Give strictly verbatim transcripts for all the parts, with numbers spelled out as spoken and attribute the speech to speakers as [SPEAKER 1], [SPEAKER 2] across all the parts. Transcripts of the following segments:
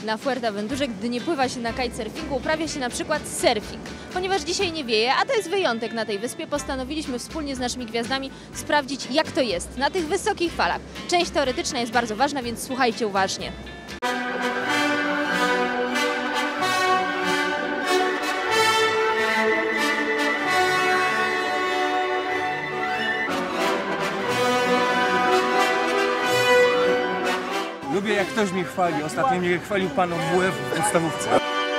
[SPEAKER 1] na Fuerteventurze, gdy nie pływa się na kitesurfingu, uprawia się na przykład surfing. Ponieważ dzisiaj nie wieje, a to jest wyjątek na tej wyspie, postanowiliśmy wspólnie z naszymi gwiazdami sprawdzić, jak to jest na tych wysokich falach. Część teoretyczna jest bardzo ważna, więc słuchajcie uważnie.
[SPEAKER 2] Lubię, jak ktoś mnie chwali. Ostatnio mnie chwalił pan od W F w podstawówce.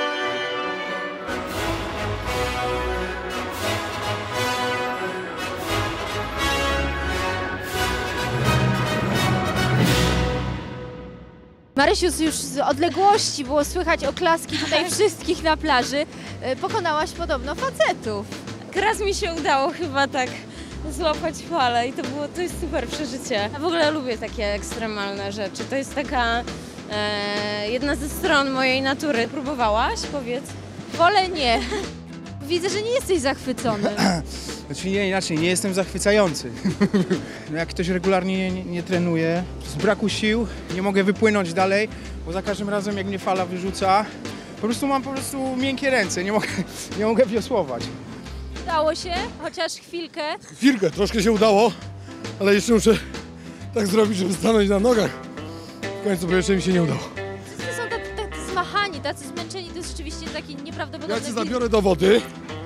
[SPEAKER 1] Marysiu, już z odległości było słychać oklaski tutaj wszystkich na plaży. Pokonałaś podobno facetów.
[SPEAKER 3] Raz mi się udało chyba tak złapać falę i to było, to jest super przeżycie. Ja w ogóle lubię takie ekstremalne rzeczy. To jest taka e, jedna ze stron mojej natury. Próbowałaś? Powiedz.
[SPEAKER 1] Wolę nie. Widzę, że nie jesteś zachwycony.
[SPEAKER 4] Znaczy nie, inaczej, nie jestem zachwycający. No jak ktoś regularnie nie, nie trenuje, z braku sił nie mogę wypłynąć dalej, bo za każdym razem jak mnie fala wyrzuca, po prostu mam po prostu miękkie ręce, nie mogę, nie mogę wiosłować.
[SPEAKER 1] Udało się, chociaż chwilkę.
[SPEAKER 5] Chwilkę, troszkę się udało, ale jeszcze muszę tak zrobić, żeby stanąć na nogach. W końcu, bo jeszcze mi się nie udało.
[SPEAKER 1] Wszyscy są tacy, tacy zmachani, tacy zmęczeni, to jest rzeczywiście taki nieprawdopodobny
[SPEAKER 5] Ja cię
[SPEAKER 1] film.
[SPEAKER 5] zabiorę do wody.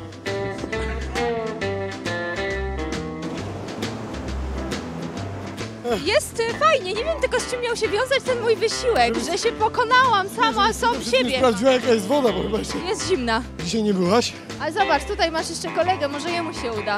[SPEAKER 1] Jest y, fajnie, nie wiem tylko z czym miał się wiązać ten mój wysiłek, że się pokonałam sama, sam
[SPEAKER 5] Nie
[SPEAKER 1] siebie.
[SPEAKER 5] sprawdziła, jaka jest woda, bo chyba jeszcze
[SPEAKER 1] Jest zimna.
[SPEAKER 5] dzisiaj nie byłaś.
[SPEAKER 1] Ale zobacz, tutaj masz jeszcze kolegę, może jemu się uda.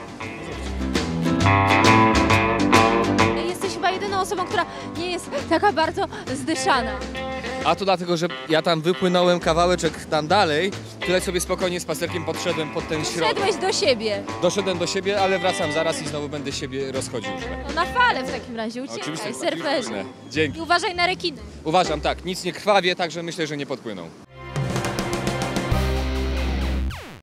[SPEAKER 1] Jesteś chyba jedyną osobą, która nie jest taka bardzo zdyszana.
[SPEAKER 6] A to dlatego, że ja tam wypłynąłem kawałeczek tam dalej, tutaj sobie spokojnie spacerkiem podszedłem pod ten środek.
[SPEAKER 1] Szedłeś do siebie.
[SPEAKER 6] Doszedłem do siebie, ale wracam zaraz i znowu będę siebie rozchodził.
[SPEAKER 1] No na falę w takim razie uciekaj, surferzy.
[SPEAKER 6] Dzięki.
[SPEAKER 1] I uważaj na rekiny.
[SPEAKER 6] Uważam, tak, nic nie krwawie, także myślę, że nie podpłyną.